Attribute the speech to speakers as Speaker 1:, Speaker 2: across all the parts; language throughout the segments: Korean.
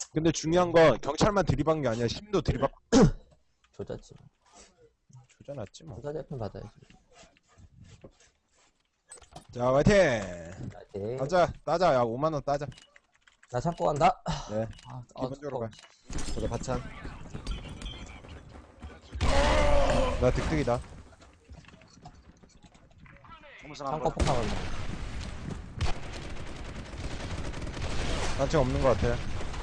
Speaker 1: 근데 중요한 건 경찰만 들이박은 게 아니라 심도 들이박.
Speaker 2: 조졌지.
Speaker 1: 조져놨지 뭐.
Speaker 2: 조사 제품 받아야지.
Speaker 1: 자, 화이팅!
Speaker 2: 네.
Speaker 1: 따자, 따자. 야, 5만원 따자.
Speaker 2: 나 찾고 간다.
Speaker 1: 네.
Speaker 2: 아,
Speaker 1: 기본적으로 가.
Speaker 3: 저도 바찬.
Speaker 1: 나 득득이다.
Speaker 2: 창고 폭탄을.
Speaker 1: 단층 없는 것 같아.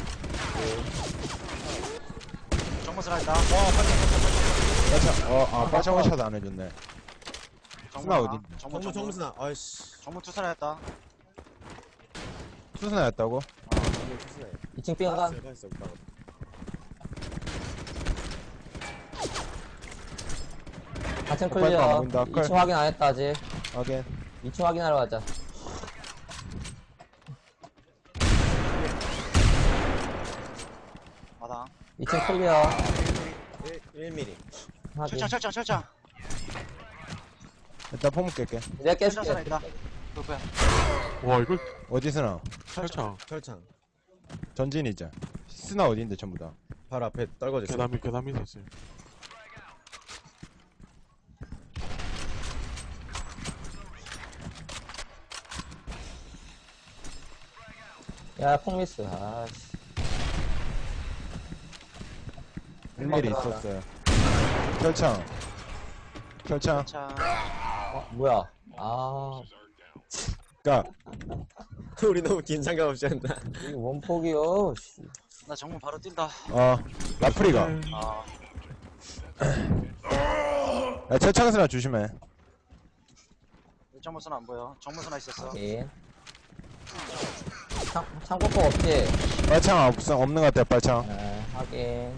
Speaker 4: 정문스나 있다.
Speaker 1: 빠창, 빠창워샷 안 해줬네. 스나 어디?
Speaker 3: 정무스나. 아이씨.
Speaker 4: 정문 투사나 했다.
Speaker 1: 수스나였다고?
Speaker 3: 정무 투스나요.
Speaker 2: 2층 삥가.
Speaker 3: 가 있어 오빠가.
Speaker 2: 하층
Speaker 1: 빨리
Speaker 2: 클리어.
Speaker 1: 안 보인다.
Speaker 2: 2층 확인 안 했다, 아직.
Speaker 1: 하긴.
Speaker 2: 2층 확인하러 가자.
Speaker 4: 마당.
Speaker 2: 2층 클리어.
Speaker 3: 1mm.
Speaker 2: 확인.
Speaker 4: 철창.
Speaker 1: 일단 폼 깰게.
Speaker 2: 내가
Speaker 4: 철창
Speaker 2: 깨줄게.
Speaker 4: 있다. 그거야.
Speaker 5: 와 이걸
Speaker 1: 어디 스나?
Speaker 5: 철창
Speaker 3: 철창.
Speaker 1: 전진이자. 스나 어디인데 전부 다.
Speaker 3: 바로 앞에 떨궈졌어.
Speaker 5: 계단 밑에 있어요.
Speaker 2: 야, 폭미스. 아씨.
Speaker 1: 1mm 있었어요. 철창. 철창.
Speaker 4: 철창.
Speaker 2: 뭐야. 아,
Speaker 1: 까.
Speaker 3: 우리 너무 긴장감 없이 한다.
Speaker 2: 이거 원폭이요. 씨.
Speaker 4: 나 정문 바로 뛴다.
Speaker 1: 라프리가.
Speaker 4: 아.
Speaker 1: 야, 철창 스나 조심해.
Speaker 4: 정문스나 안 보여. 정문스나 있었어.
Speaker 2: 확인. 창고폭 없지?
Speaker 1: 빨창 없는 것 같아, 빨창.
Speaker 2: 네, 확인.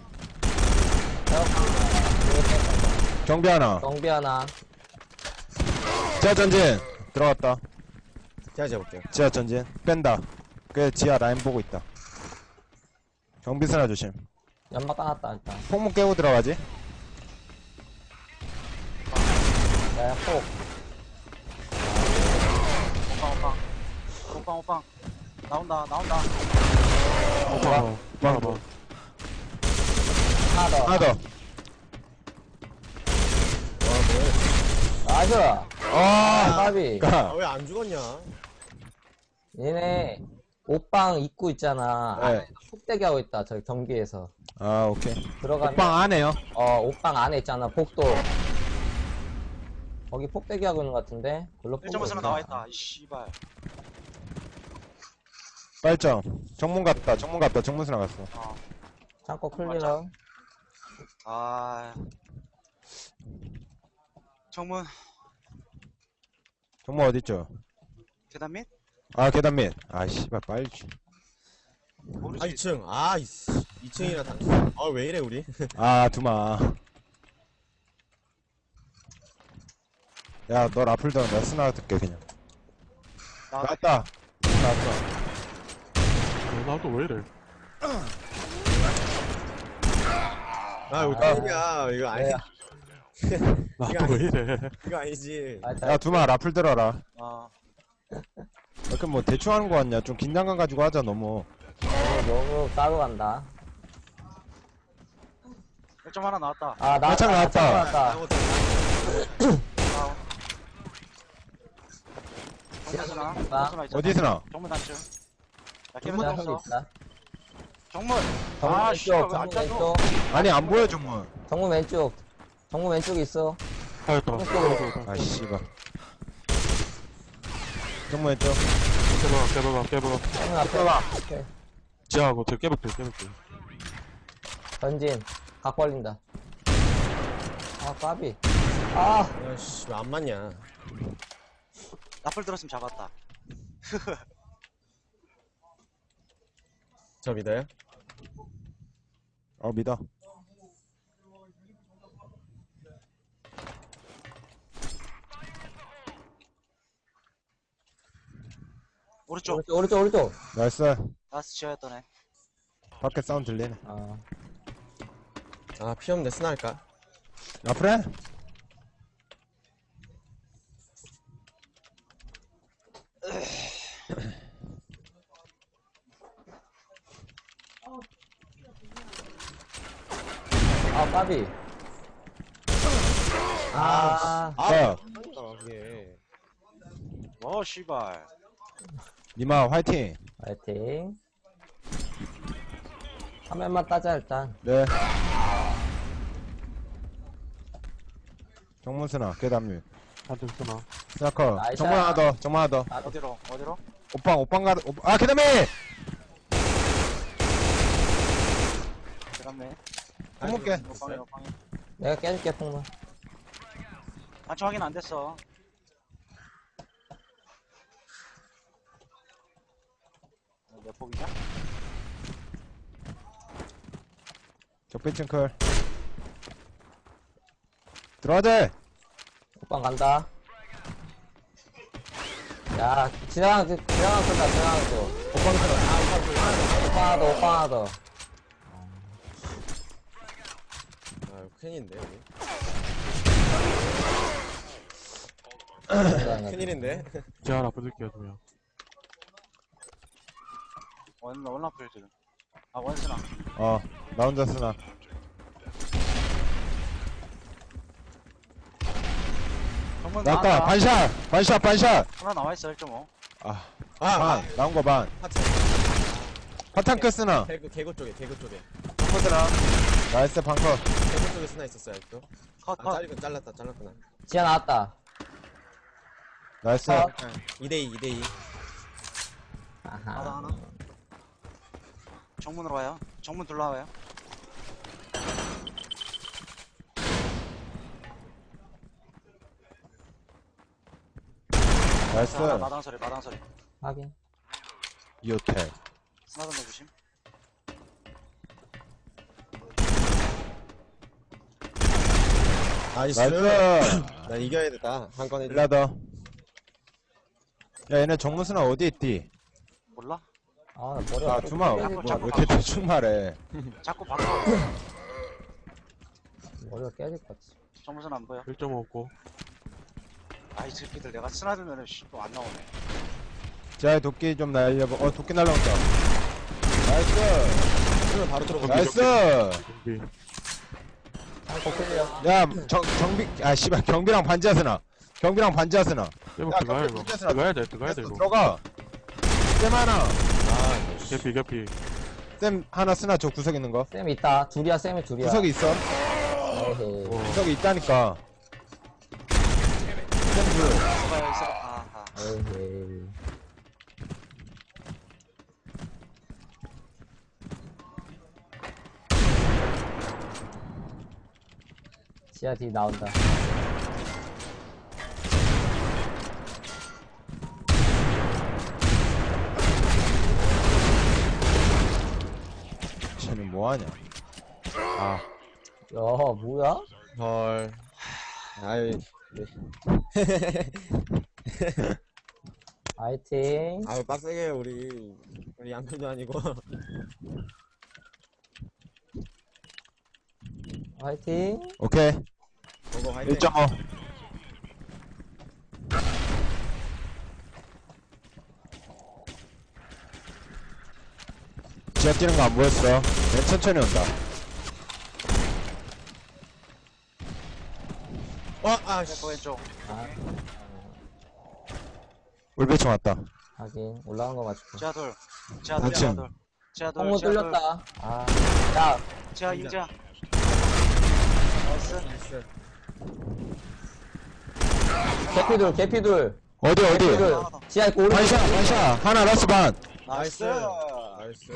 Speaker 1: 경비 하나.
Speaker 2: 경비 하나.
Speaker 1: 지하 전진. 들어갔다.
Speaker 3: 제가 재볼게요.
Speaker 1: 지하 전진. 뺀다. 그 지하 라인 보고 있다. 경비 스나 조심.
Speaker 2: 연막 까놨다, 일단.
Speaker 1: 폭문 깨고 들어가지.
Speaker 2: 야, 폭.
Speaker 4: 오빵. 나온다.
Speaker 5: 오빠 봐봐.
Speaker 2: 하나 더.
Speaker 1: 하나 더.
Speaker 2: 나이스! 까비.
Speaker 1: 까.
Speaker 3: 왜 안 죽었냐?
Speaker 2: 얘네, 옷방 입구 있잖아.
Speaker 1: 네.
Speaker 2: 안에 폭대기 하고 있다, 저기 경기에서.
Speaker 1: 아, 오케이.
Speaker 2: 들어가면.
Speaker 1: 오빵 안에요.
Speaker 2: 옷방 안에 있잖아, 복도. 거기 폭대기 하고 있는 것 같은데? 글로
Speaker 4: 1.5스나 나와있다. 이 씨발.
Speaker 1: 빨점. 정문 갔다. 정문 스나 갔어.
Speaker 2: 창고 클리어.
Speaker 4: 아. 정문.
Speaker 1: 정문 어딨죠?
Speaker 4: 계단 밑?
Speaker 1: 아, 계단 밑. 아, 씨발, 빨리.
Speaker 4: 모르지.
Speaker 3: 2층. 아, 이씨. 2층이라 당. 왜 이래 우리?
Speaker 1: 아, 두마. 야, 너 라플 더, 나 스나 듣게, 그냥. 나왔다. 나왔어.
Speaker 5: 나도 왜 이래?
Speaker 3: 이거 땡이야. 이거 아니.
Speaker 5: 나도 왜 이래?
Speaker 3: 이거 아니지.
Speaker 1: 야, 두마, 라플 들어라.
Speaker 4: 아.
Speaker 1: 뭐, 대충 하는 거 같냐? 좀 긴장감 가지고 하자, 너무.
Speaker 2: 너무 따로 간다.
Speaker 4: 1점 하나 나왔다.
Speaker 2: 아,
Speaker 1: 창 나왔다.
Speaker 2: 나왔다.
Speaker 4: 정문스나 있잖아.
Speaker 1: 어디 스나?
Speaker 4: 정문 단층. 야,
Speaker 2: 정문
Speaker 4: 깨면
Speaker 2: 형
Speaker 4: 없어.
Speaker 2: 있다.
Speaker 4: 정문.
Speaker 2: 정문
Speaker 4: 아,
Speaker 2: 왼쪽,
Speaker 4: 씨발, 왜안
Speaker 2: 정문
Speaker 4: 짜줘?
Speaker 2: 왼쪽.
Speaker 1: 아니, 안 보여, 정문.
Speaker 2: 정문 왼쪽. 정문 왼쪽에 있어.
Speaker 5: 하였다.
Speaker 1: 아, 씨발. 정문 왼쪽.
Speaker 5: 깨봐봐.
Speaker 2: 정문 앞에. 오케이.
Speaker 5: 지하고 저 깨볼게.
Speaker 2: 전진. 각 벌린다. 아, 까비. 아,
Speaker 3: 야씨, 왜 안 맞냐?
Speaker 4: 나풀 들었으면 잡았다.
Speaker 3: 저 믿어요?
Speaker 1: 믿어.
Speaker 4: 오른쪽.
Speaker 2: 오른쪽.
Speaker 1: 나이스.
Speaker 4: 나스 지어였던 애.
Speaker 1: 밖에 사운드 들리네.
Speaker 3: 피 없는데 스나 할까?
Speaker 1: 라플 해?
Speaker 2: 아, 까비. 아,
Speaker 1: 야,
Speaker 3: 이게.
Speaker 4: 씨발.
Speaker 1: 니마 화이팅.
Speaker 2: 파이팅. 화면만 따자, 일단.
Speaker 1: 네. 정문순아, 계단류.
Speaker 5: 한팀 쓰나?
Speaker 1: 스나커.
Speaker 2: 나이스.
Speaker 1: 정문 하나 더, 정문 하나 더.
Speaker 4: 어디로?
Speaker 1: 오빵 아, 계단미!
Speaker 4: 들어갔네.
Speaker 1: 폭목게.
Speaker 4: 오빵이.
Speaker 2: 내가 깨줄게, 폭문.
Speaker 4: 반치 확인 안 됐어. 몇 폭이냐?
Speaker 1: 적배층 클. 들어가야 돼!
Speaker 2: 오빠 간다. 야, 지나가는 쏜다, 지나가는 쏜.
Speaker 1: 오빵 들어.
Speaker 2: 오빠 하나 더, 오빠 하나 더.
Speaker 3: 아, 큰일인데, 여기. 큰일인데?
Speaker 5: 지하 하나 붙을게요, 2명.
Speaker 4: 원라플들. 아, 원스나.
Speaker 1: 나 혼자 쓰나.
Speaker 4: 정문
Speaker 1: 나왔다.
Speaker 4: 나왔다.
Speaker 1: 반샷.
Speaker 4: 하나 나와있어, 1.5.
Speaker 1: 반. 나온 거 반.
Speaker 3: 하트.
Speaker 1: 파탄크 쓰나.
Speaker 3: 개구 쪽에.
Speaker 4: 정문들아.
Speaker 1: 나이스, 방커.
Speaker 3: 개구 쪽에 스나 있었어요, 아직도.
Speaker 4: 컷.
Speaker 3: 잘랐구나.
Speaker 2: 지하 나왔다.
Speaker 1: 나이스.
Speaker 2: 어.
Speaker 3: 2대2.
Speaker 2: 아하.
Speaker 4: 하나. 정문으로 와요. 정문 둘러와요.
Speaker 1: 나이스.
Speaker 4: 마당 소리.
Speaker 2: 확인.
Speaker 1: 이호텔.
Speaker 4: 스나던 내주심.
Speaker 3: 나이스.
Speaker 1: 나이스.
Speaker 3: 난 이겨야겠다. 한 건에.
Speaker 1: 일라더. 야, 얘네 정문순아 어디 있디?
Speaker 4: 몰라?
Speaker 2: 아, 나 머리가.
Speaker 1: 주마. 왜 이렇게 대충 말해.
Speaker 4: 자꾸 바꿔.
Speaker 2: 머리가 깨질 것 같지.
Speaker 4: 정문선 안 보여.
Speaker 5: 1.5 없고.
Speaker 4: 아이 새끼들 내가 스나 들면은 또 안 나오네.
Speaker 1: 자, 도끼 좀 날려봐. 도끼 날라온다. 나이스.
Speaker 3: 그러면 바로 들어가.
Speaker 1: 나이스.
Speaker 5: 준비.
Speaker 2: 아, 거슬려.
Speaker 1: 야, 씨발, 경비랑 반지하스나.
Speaker 5: 깨복
Speaker 1: 야,
Speaker 5: 들어가야,
Speaker 1: 경비
Speaker 5: 이거.
Speaker 1: 붙였어.
Speaker 5: 들어가야 돼, 이거.
Speaker 1: 들어가. 쌤 하나.
Speaker 5: 개피.
Speaker 1: 쌤 하나 쓰나, 저 구석 있는 거.
Speaker 2: 쌤 있다. 둘이야, 쌤이 둘이야.
Speaker 1: 구석이 있어.
Speaker 2: 에헤이.
Speaker 1: 구석이 있다니까. 쌤 둘.
Speaker 4: 있어봐요. 아하.
Speaker 2: 에헤이. 지하 뒤 나온다.
Speaker 1: 쟤는 뭐하냐. 아,
Speaker 2: 야, 뭐야?
Speaker 3: 헐. 아유.
Speaker 2: 화이팅.
Speaker 3: 아유, 빡세게 해요, 우리 양편도 아니고.
Speaker 2: 화이팅.
Speaker 1: 오케이.
Speaker 3: 보고 화이팅.
Speaker 1: 1.5. 지하 뛰는 거 안 보였어. 내 천천히 온다.
Speaker 4: 왼쪽.
Speaker 2: 아,
Speaker 1: 울배총 왔다.
Speaker 2: 하긴. 올라간 거 맞출게.
Speaker 4: 지하 둘.
Speaker 1: 그치.
Speaker 2: 성문 뚫렸다. 아, 야,
Speaker 4: 지하 인자. 나이스.
Speaker 3: 나이스.
Speaker 2: 개피둘.
Speaker 1: 어디?
Speaker 2: 개피둘. 지하 있고, 오른쪽.
Speaker 1: 반샷. 하나 라스 반.
Speaker 4: 나이스.
Speaker 3: 나이스.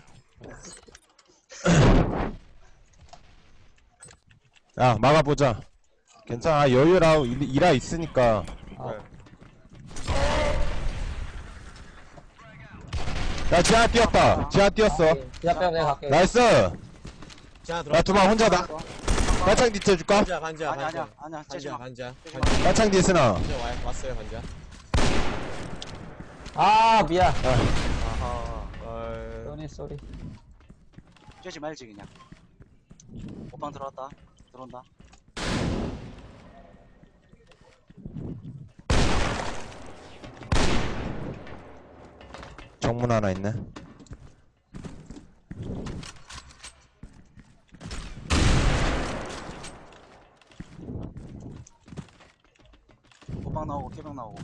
Speaker 1: 야, 막아보자. 괜찮아. 여유라, 일하 있으니까. 야, 지하 뛰었다. 지하 뛰었어.
Speaker 2: 지하 빼면 내가 갈게.
Speaker 1: 나이스.
Speaker 3: 자, 들어.
Speaker 1: 야, 두방 혼자다. 마창 뒤 째줄까?
Speaker 3: 반자.
Speaker 4: 아니야. 째지 마.
Speaker 3: 반자.
Speaker 1: 마창 뒤에 쓰나.
Speaker 3: 왔어요, 반자.
Speaker 2: 아, 미안.
Speaker 3: 아하.
Speaker 2: 쏘리.
Speaker 4: 째지 말지 그냥. 옷방 들어온다.
Speaker 1: 정문 하나 있네.
Speaker 4: 개방 나오고 개방 나오고.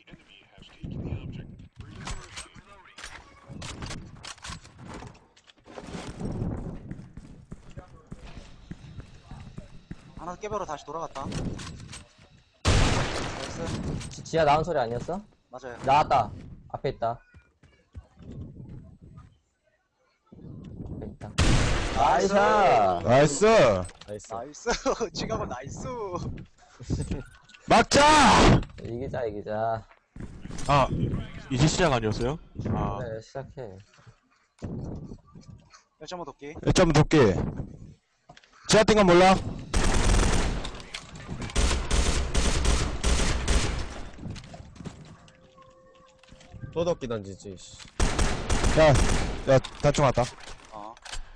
Speaker 4: 하나 깨벽으로 다시 돌아갔다. 나이스.
Speaker 2: 지하 나온 소리 아니었어?
Speaker 4: 맞아요.
Speaker 2: 나왔다. 앞에 있다. 앞에 있다. 나이스!
Speaker 1: 나이스!
Speaker 3: 나이스.
Speaker 4: 나이스. 지갑은 나이스.
Speaker 1: 막자!
Speaker 2: 이기자, 이기자.
Speaker 5: 아, 이제 시작 아니었어요? 아,
Speaker 2: 그래, 시작해.
Speaker 4: 1.5 도끼.
Speaker 1: 1점 도끼. 지하 뛴건 몰라?
Speaker 3: 또 덮기 던지지. 씨.
Speaker 1: 야, 단총 왔다.
Speaker 4: 어.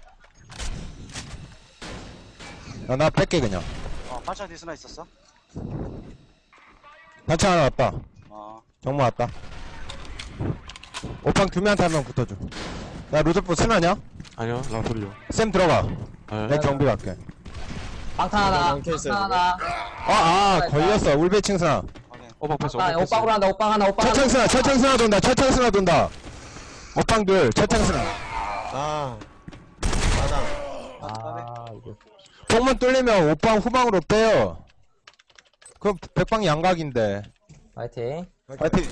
Speaker 1: 야, 나 뺄게, 그냥.
Speaker 4: 반찬 디스나 있었어?
Speaker 1: 단총 하나 왔다. 정모 왔다. 오빵 규미한테 한 명 붙어줘. 야, 로드포 스나냐?
Speaker 5: 아니요, 라소리요.
Speaker 1: 쌤 들어가.
Speaker 5: 네.
Speaker 1: 내 경비 갈게.
Speaker 2: 방탄 하나,
Speaker 3: 방탄 있어요,
Speaker 2: 방탄 하나.
Speaker 1: 걸렸어. 울베칭 스나.
Speaker 4: 확인.
Speaker 5: 오방 패스,
Speaker 2: 아,
Speaker 5: 오방 패스.
Speaker 2: 오빵으로 한다, 오빵 하나, 오빵 하나.
Speaker 1: 철창 스나, 철창 스나 돈다. 철창 스나 돈다. 오빵 둘, 철창 스나.
Speaker 3: 아. 맞아.
Speaker 2: 아, 이거.
Speaker 1: 폭문 뚫리면 오빵 후방으로 빼요. 그럼 백방 양각인데.
Speaker 2: 화이팅.
Speaker 1: 파이팅.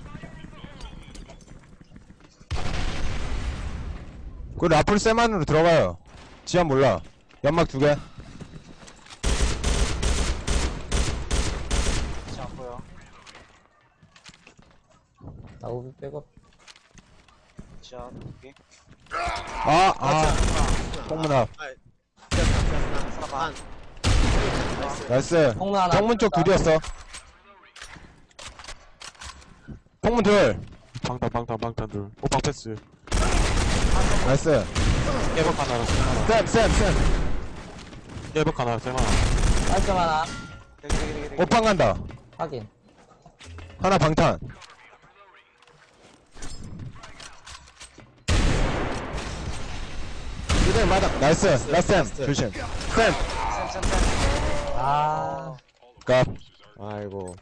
Speaker 1: 그 라플 세만으로 들어가요. 지하 몰라. 연막 2개.
Speaker 4: 진짜 안 보여.
Speaker 2: 나 우비 백업.
Speaker 4: 진짜 도끼.
Speaker 1: 폭문 앞.
Speaker 4: 하나 반.
Speaker 1: 나이스.
Speaker 2: 폭문 하나.
Speaker 1: 정문 쪽 둘이었어. 폭문 둘.
Speaker 5: 방탄 둘. 오방 패스.
Speaker 1: 나이스.
Speaker 5: 깨박 하나, 쌤 하나.
Speaker 1: 쌤.
Speaker 5: 깨박 하나, 쌤 하나.
Speaker 2: 깔점 하나.
Speaker 4: 되게.
Speaker 1: 오빵 간다.
Speaker 2: 확인.
Speaker 1: 하나 방탄. 이대 마당. 나이스. 라쌤.
Speaker 3: 라스트.
Speaker 1: 조심. 쌤.
Speaker 4: 쌤.
Speaker 2: 아,
Speaker 1: 갑.
Speaker 3: 아이고.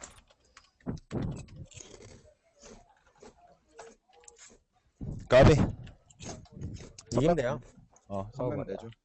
Speaker 1: 까비.
Speaker 3: 이긴대요.
Speaker 1: 성명 내줘.